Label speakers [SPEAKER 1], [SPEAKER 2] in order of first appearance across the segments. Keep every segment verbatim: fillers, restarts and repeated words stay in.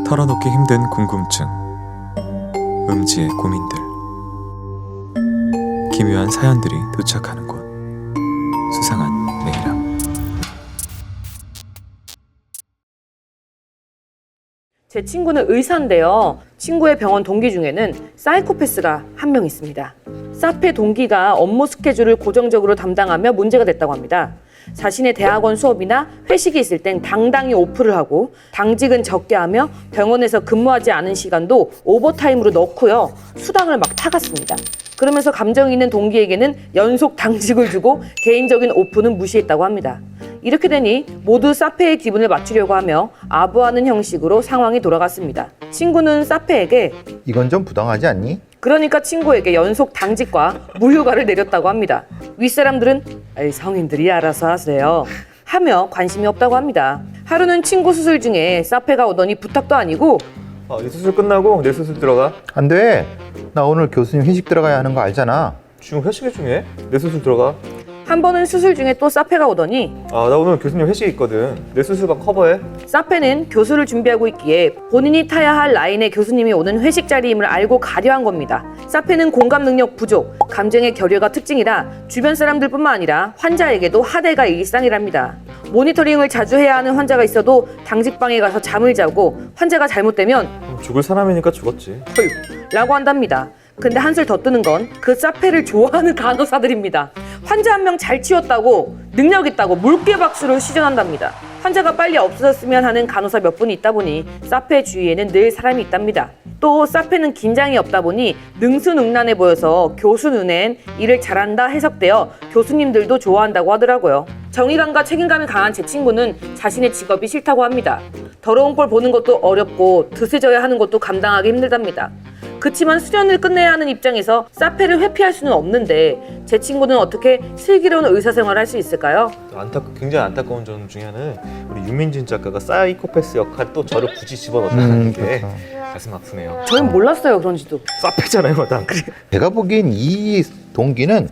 [SPEAKER 1] 털어놓기 힘든 궁금증, 음지의 고민들, 기묘한 사연들이 도착하는 곳, 수상한 내일함.
[SPEAKER 2] 제 친구는 의사인데요. 친구의 병원 동기 중에는 사이코패스가 한 명 있습니다. 사페 동기가 업무 스케줄을 고정적으로 담당하며 문제가 됐다고 합니다. 자신의 대학원 수업이나 회식이 있을 땐 당당히 오프를 하고 당직은 적게 하며 병원에서 근무하지 않은 시간도 오버타임으로 넣고요. 수당을 막 타갔습니다. 그러면서 감정 있는 동기에게는 연속 당직을 주고 개인적인 오프는 무시했다고 합니다. 이렇게 되니 모두 사페의 기분을 맞추려고 하며 아부하는 형식으로 상황이 돌아갔습니다. 친구는 사페에게
[SPEAKER 3] 이건 좀 부당하지 않니?
[SPEAKER 2] 그러니까 친구에게 연속 당직과 무휴가를 내렸다고 합니다. 윗사람들은 에이, 성인들이 알아서 하세요 하며 관심이 없다고 합니다. 하루는 친구 수술 중에 사페가 오더니 부탁도 아니고
[SPEAKER 4] 아, 이 수술 끝나고 내 수술 들어가.
[SPEAKER 3] 안 돼. 나 오늘 교수님 회식 들어가야 하는 거 알잖아.
[SPEAKER 4] 지금 회식이 중에 내 수술 들어가.
[SPEAKER 2] 한 번은 수술 중에 또 사페가 오더니
[SPEAKER 4] 아, 나 오늘 교수님 회식 있거든. 내 수술만 커버해.
[SPEAKER 2] 사페는 교수를 준비하고 있기에 본인이 타야 할 라인에 교수님이 오는 회식 자리임을 알고 가려 한 겁니다. 사페는 공감 능력 부족, 감정의 결여가 특징이라 주변 사람들뿐만 아니라 환자에게도 하대가 일상이랍니다. 모니터링을 자주 해야 하는 환자가 있어도 당직방에 가서 잠을 자고 환자가 잘못되면
[SPEAKER 4] 어, 죽을 사람이니까 죽었지.
[SPEAKER 2] 헐 라고 한답니다. 근데 한술 더 뜨는 건 그 사페를 좋아하는 간호사들입니다. 환자 한 명 잘 치웠다고 능력 있다고 물개 박수를 시전한답니다. 환자가 빨리 없어졌으면 하는 간호사 몇 분이 있다 보니 사페 주위에는 늘 사람이 있답니다. 또 사페는 긴장이 없다 보니 능수능란해 보여서 교수 눈엔 일을 잘한다 해석되어 교수님들도 좋아한다고 하더라고요. 정의감과 책임감이 강한 제 친구는 자신의 직업이 싫다고 합니다. 더러운 꼴 보는 것도 어렵고 드세져야 하는 것도 감당하기 힘들답니다. 그치만 수련을 끝내야 하는 입장에서 사페를 회피할 수는 없는데 제 친구는 어떻게 슬기로운 의사생활을 할 수 있을까요?
[SPEAKER 4] 안타 굉장히 안타까운 점 중에 하나는 우리 유민진 작가가 사이코패스 역할 또 저를 굳이 집어넣었다는
[SPEAKER 3] 음,
[SPEAKER 4] 게
[SPEAKER 3] 그렇죠.
[SPEAKER 4] 가슴 아프네요.
[SPEAKER 2] 저는 몰랐어요 그런지도.
[SPEAKER 4] 사페잖아요, 난. 그래.
[SPEAKER 3] 제가 보기엔 이 동기는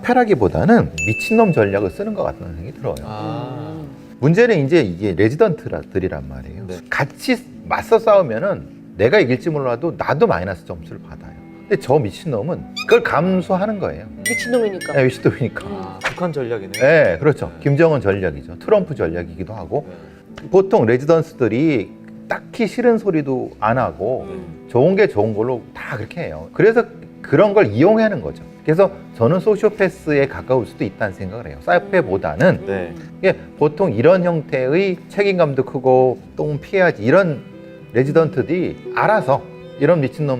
[SPEAKER 3] 사페라기보다는 미친놈 전략을 쓰는 것 같다는 생각이 들어요.
[SPEAKER 4] 아,
[SPEAKER 3] 문제는 이제 이게 레지던트들이란 말이에요.
[SPEAKER 4] 네.
[SPEAKER 3] 같이 맞서 싸우면은 내가 이길지 몰라도 나도 마이너스 점수를 받아요. 근데 저 미친놈은 그걸 감수하는 거예요.
[SPEAKER 2] 미친놈이니까.
[SPEAKER 3] 네, 미친놈이니까.
[SPEAKER 4] 아, 북한 전략이네.
[SPEAKER 3] 네, 그렇죠. 김정은 전략이죠. 트럼프 전략이기도 하고. 보통 레지던스들이 딱히 싫은 소리도 안 하고 좋은 게 좋은 걸로 다 그렇게 해요. 그래서 그런 걸 이용하는 거죠. 그래서 저는 소시오패스에 가까울 수도 있다는 생각을 해요. 사이코패보다는
[SPEAKER 4] 네.
[SPEAKER 3] 이게 보통 이런 형태의 책임감도 크고 똥 피해야지 이런 레지던트들이 알아서 이런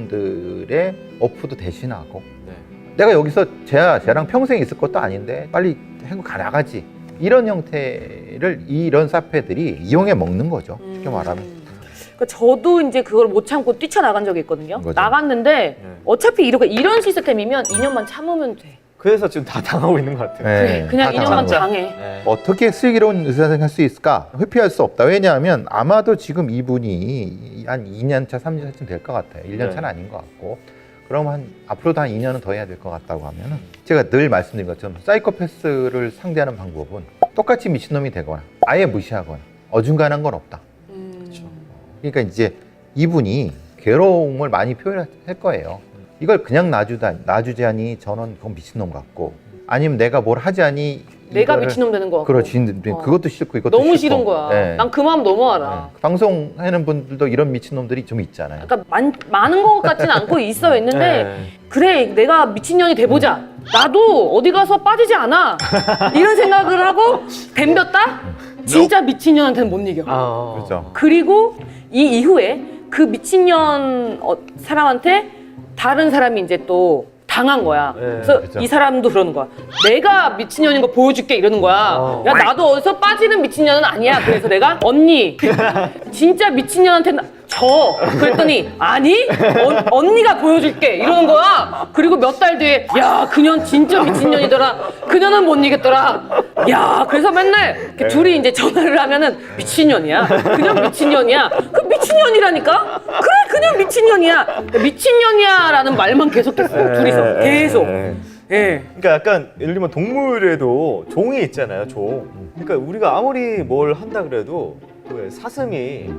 [SPEAKER 3] 미친놈들의 어프도 대신하고
[SPEAKER 4] 네.
[SPEAKER 3] 내가 여기서 쟤야, 쟤랑 평생 있을 것도 아닌데 빨리 한국 가 나가지 이런 형태를 이런 사페들이 이용해 먹는 거죠. 쉽게 말하면.
[SPEAKER 2] 그러니까 저도 이제 그걸 못 참고 뛰쳐나간 적이 있거든요.
[SPEAKER 3] 그거죠.
[SPEAKER 2] 나갔는데
[SPEAKER 4] 네.
[SPEAKER 2] 어차피 이렇게 이런 시스템이면 이 년만 참으면 돼.
[SPEAKER 4] 그래서 지금 다 당하고 있는 것 같아요.
[SPEAKER 3] 네,
[SPEAKER 2] 그냥
[SPEAKER 3] 다
[SPEAKER 2] 이 년만
[SPEAKER 3] 당하는 거야.
[SPEAKER 2] 당해.
[SPEAKER 4] 네.
[SPEAKER 3] 어떻게 슬기로운 의사생활 할 수 있을까? 회피할 수 없다. 왜냐하면 아마도 지금 이분이 한 이 년 차, 삼 년 차쯤 될 것 같아요. 일 년 차는 아닌 것 같고. 그럼 한 앞으로도 한 이 년은 더 해야 될 것 같다고 하면은 제가 늘 말씀드린 것처럼 사이코패스를 상대하는 방법은 똑같이 미친놈이 되거나 아예 무시하거나 어중간한 건 없다.
[SPEAKER 4] 그렇죠.
[SPEAKER 3] 그러니까 이제 이분이 괴로움을 많이 표현할 거예요. 이걸 그냥 놔주다, 놔주자니 저는 그건 미친놈 같고 아니면 내가 뭘 하자니
[SPEAKER 2] 내가
[SPEAKER 3] 이거를-
[SPEAKER 2] 미친놈 되는 거 같고.
[SPEAKER 3] 그렇지.
[SPEAKER 2] 어.
[SPEAKER 3] 그것도 싫고 이것도
[SPEAKER 2] 너무
[SPEAKER 3] 싫고.
[SPEAKER 2] 싫은 거야.
[SPEAKER 3] 네.
[SPEAKER 2] 난 그 마음 너무 알아.
[SPEAKER 3] 네. 방송하는 분들도 이런 미친놈들이 좀 있잖아요.
[SPEAKER 2] 약간 많, 많은 것 같지는 않고 있어 있는데
[SPEAKER 4] 네.
[SPEAKER 2] 그래 내가 미친년이 돼보자. 나도 어디 가서 빠지지 않아. 이런 생각을 하고 덤볐다? 진짜 미친년한테는 못 이겨.
[SPEAKER 4] 아,
[SPEAKER 3] 그렇죠.
[SPEAKER 2] 그리고 이 이후에 그 미친년 어, 사람한테 다른 사람이 이제 또 당한 거야.
[SPEAKER 4] 네,
[SPEAKER 2] 그래서
[SPEAKER 3] 그죠.
[SPEAKER 2] 이 사람도 그러는 거야. 내가 미친년인 거 보여줄게 이러는 거야.
[SPEAKER 4] 어.
[SPEAKER 2] 야 나도 어디서 빠지는 미친년은 아니야. 그래서 내가 언니 진짜 미친년한테는 져. 그랬더니 아니 어, 언니가 보여줄게 이러는 거야. 그리고 몇 달 뒤에 야 그년 진짜 미친년이더라. 그년은 못 이겼더라. 야 그래서 맨날 이렇게 둘이 이제 전화를 하면은 미친년이야. 그냥 미친년이야. 그 미친년이라니까. 그래 그냥 미친년이야. 미친년이야라는 말만 계속했어요. 둘이서 계속.
[SPEAKER 4] 네.
[SPEAKER 2] 예.
[SPEAKER 4] 그러니까 약간 예를 들면 동물에도 종이 있잖아요, 종. 그러니까 우리가 아무리 뭘 한다 그래도 그 사슴이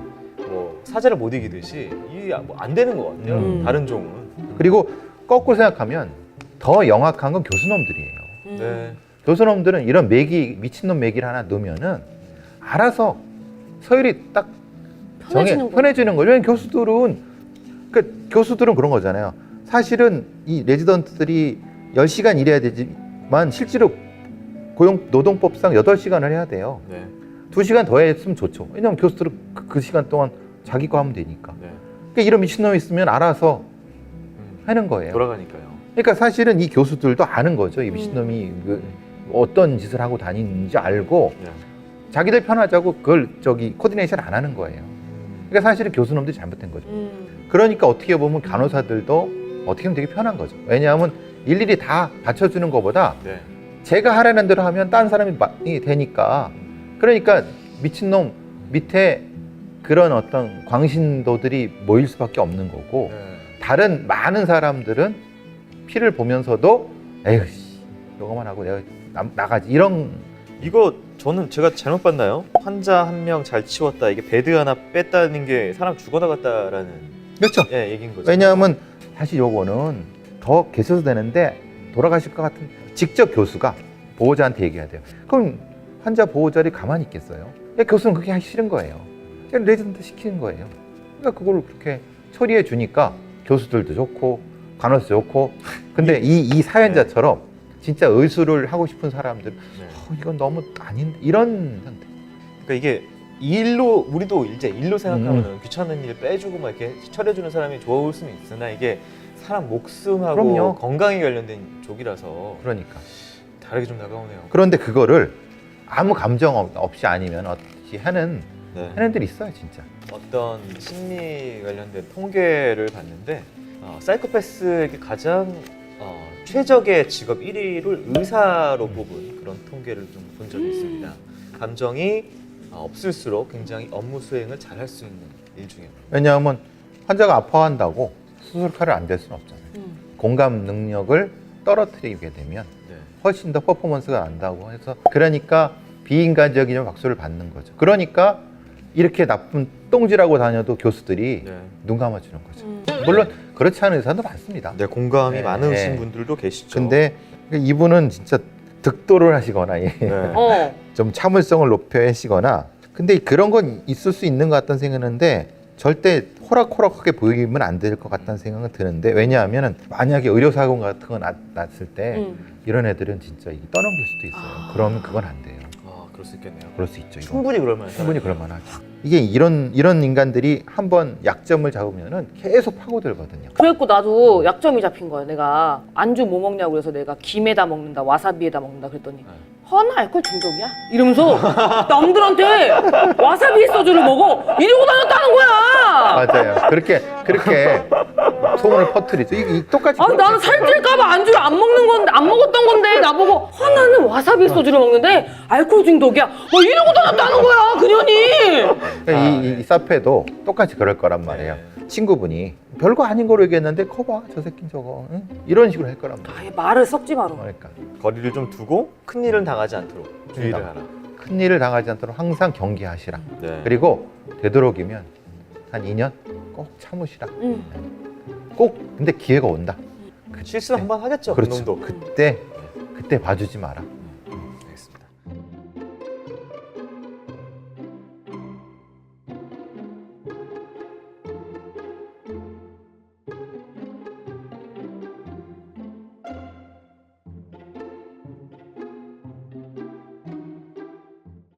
[SPEAKER 4] 뭐 사자를 못 이기듯이 이게 뭐 안 되는 것 같아요.
[SPEAKER 2] 음.
[SPEAKER 4] 다른 종은.
[SPEAKER 3] 그리고 거꾸로 생각하면 더 영악한 건 교수놈들이에요.
[SPEAKER 2] 음.
[SPEAKER 4] 네.
[SPEAKER 3] 교수놈들은 이런 매기 미친놈 매기를 하나 넣으면은 알아서 서열이 딱 정해
[SPEAKER 2] 편해지는 거죠.
[SPEAKER 3] 편해지는 거죠. 왜냐면 교수들은 그 교수들은 그런 거잖아요. 사실은 이 레지던트들이 열 시간 일해야 되지만 실제로 고용 노동법상 여덟 시간을 해야 돼요.
[SPEAKER 4] 네.
[SPEAKER 3] 두 시간 더 했으면 좋죠. 왜냐면 교수들은 그, 그 시간 동안 자기 거 하면 되니까.
[SPEAKER 4] 네.
[SPEAKER 3] 그러니까 이런 미친놈이 있으면 알아서
[SPEAKER 4] 음.
[SPEAKER 3] 하는 거예요.
[SPEAKER 4] 돌아가니까요.
[SPEAKER 3] 그러니까 사실은 이 교수들도 아는 거죠. 이 미친놈이 그 어떤 짓을 하고 다니는지 알고
[SPEAKER 4] 네.
[SPEAKER 3] 자기들 편하자고 그걸 저기 코디네이션 안 하는 거예요.
[SPEAKER 4] 음.
[SPEAKER 3] 그러니까 사실은 교수놈들이 잘못된 거죠.
[SPEAKER 2] 음.
[SPEAKER 3] 그러니까 어떻게 보면 간호사들도 어떻게 보면 되게 편한 거죠. 왜냐하면 일일이 다 받쳐주는 것보다
[SPEAKER 4] 네.
[SPEAKER 3] 제가 하라는 대로 하면 다른 사람이 마- 이 되니까. 그러니까 미친놈 밑에 그런 어떤 광신도들이 모일 수밖에 없는 거고
[SPEAKER 4] 네.
[SPEAKER 3] 다른 많은 사람들은 피를 보면서도 에휴 씨, 이거만 하고 내가 나, 나가지 이런.
[SPEAKER 4] 이거 저는 제가 잘못 봤나요? 환자 한 명 잘 치웠다. 이게 베드 하나 뺐다는 게 사람 죽어나갔다라는
[SPEAKER 3] 그렇죠.
[SPEAKER 4] 예, 얘기인 거죠.
[SPEAKER 3] 왜냐하면 사실 요거는 더 계셔도 되는데 돌아가실 것 같은 직접 교수가 보호자한테 얘기해야 돼요. 그럼 환자 보호자들이 가만히 있겠어요? 그러니까 교수는 그게 하기 싫은 거예요. 그냥 레지던트 시키는 거예요. 그러니까 그걸 그렇게 처리해 주니까 교수들도 좋고 간호사 좋고. 근데 이, 이 사연자처럼 진짜 의술을 하고 싶은 사람들
[SPEAKER 4] 네.
[SPEAKER 3] 어, 이건 너무 아닌데 이런 상태.
[SPEAKER 4] 그러니까 이게 일로 우리도 이제 일로 생각하면
[SPEAKER 3] 음.
[SPEAKER 4] 은 귀찮은 일 빼주고 막 이렇게 처리해주는 사람이 좋을 수는 있으나 이게 사람 목숨하고
[SPEAKER 3] 그럼요.
[SPEAKER 4] 건강에 관련된 쪽이라서
[SPEAKER 3] 그러니까.
[SPEAKER 4] 다르게 좀 다가오네요.
[SPEAKER 3] 그런데 그거를 아무 감정 없- 없이 아니면 어떻게 하는
[SPEAKER 4] 네.
[SPEAKER 3] 하는 애들이 있어요 진짜.
[SPEAKER 4] 어떤 심리 관련된 통계를 봤는데 어, 사이코패스에게 가장 어, 최적의 직업 일 위를 의사로 뽑은 그런 통계를 좀 본 적이 있습니다. 감정이 어, 없을수록 굉장히 업무 수행을 잘 할 수 있는 일 중에 하나.
[SPEAKER 3] 왜냐하면 환자가 아파한다고 수술칼을 안 댈 수는 없잖아요.
[SPEAKER 2] 음.
[SPEAKER 3] 공감 능력을 떨어뜨리게 되면
[SPEAKER 4] 네.
[SPEAKER 3] 훨씬 더 퍼포먼스가 난다고 해서 그러니까 비인간적인 박수를 받는 거죠. 그러니까 이렇게 나쁜 똥질하고 다녀도 교수들이
[SPEAKER 4] 네.
[SPEAKER 3] 눈 감아주는 거죠.
[SPEAKER 2] 음.
[SPEAKER 3] 물론 그렇지 않은 의사도 많습니다.
[SPEAKER 4] 네, 공감이
[SPEAKER 3] 네,
[SPEAKER 4] 많으신
[SPEAKER 3] 네.
[SPEAKER 4] 분들도 계시죠.
[SPEAKER 3] 근데 이분은 진짜 득도를 하시거나 예.
[SPEAKER 4] 네.
[SPEAKER 2] 어.
[SPEAKER 3] 좀 참을성을 높여 하시거나 근데 그런 건 있을 수 있는 것 같다는 생각하는데 절대 호락호락하게 보이면 안 될 것 같다는 생각은 드는데 왜냐하면 만약에 의료사고 같은 거 났, 났을 때
[SPEAKER 2] 음.
[SPEAKER 3] 이런 애들은 진짜 이게 떠넘길 수도 있어요.
[SPEAKER 2] 아.
[SPEAKER 3] 그러면 그건 안 돼요.
[SPEAKER 4] 아, 그럴 수 있겠네요.
[SPEAKER 3] 그럴 수 있죠. 이건.
[SPEAKER 4] 충분히 그럴 만한
[SPEAKER 3] 충분히
[SPEAKER 4] 사람이에요.
[SPEAKER 3] 그럴 만하죠. 이게 이런 이런 인간들이 한번 약점을 잡으면은 계속 파고들거든요.
[SPEAKER 2] 그랬고 나도 약점이 잡힌 거야. 내가 안주 뭐 먹냐고 그래서 내가 김에다 먹는다, 와사비에다 먹는다 그랬더니 허나 알코올 중독이야? 이러면서 남들한테 와사비 소주를 먹어 이러고 다녔다는 거야.
[SPEAKER 3] 맞아요. 그렇게 그렇게 소문을 퍼뜨리죠. 이게 이- 똑같이.
[SPEAKER 2] 아니 나는 살찔까봐 안주를 안 먹는 건데 안 먹었던 건데 나보고 허나는 와사비 소주를 먹는데 알코올 중독이야. 뭐 이러고 다녔다는 거야 그년이.
[SPEAKER 3] 그러니까 이, 이 사페도 똑같이 그럴 거란 말이에요. 친구분이 별거 아닌 거로 얘기했는데 커봐 저 새끼 저거 응? 이런 식으로 할 거란 말이에요.
[SPEAKER 2] 아예 말을 섞지 마라.
[SPEAKER 3] 그러니까
[SPEAKER 4] 거리를 좀 두고 큰 일은 당하지 않도록 주의를
[SPEAKER 3] 그러니까.
[SPEAKER 4] 하라.
[SPEAKER 3] 큰 일을 당하지 않도록 항상 경계하시라.
[SPEAKER 4] 네.
[SPEAKER 3] 그리고 되도록이면 한 이 년 꼭 참으시라.
[SPEAKER 2] 응.
[SPEAKER 3] 꼭 근데 기회가 온다.
[SPEAKER 4] 실수 한 번 하겠죠.
[SPEAKER 3] 그렇죠.
[SPEAKER 4] 그놈도.
[SPEAKER 3] 그때 그때 봐주지 마라.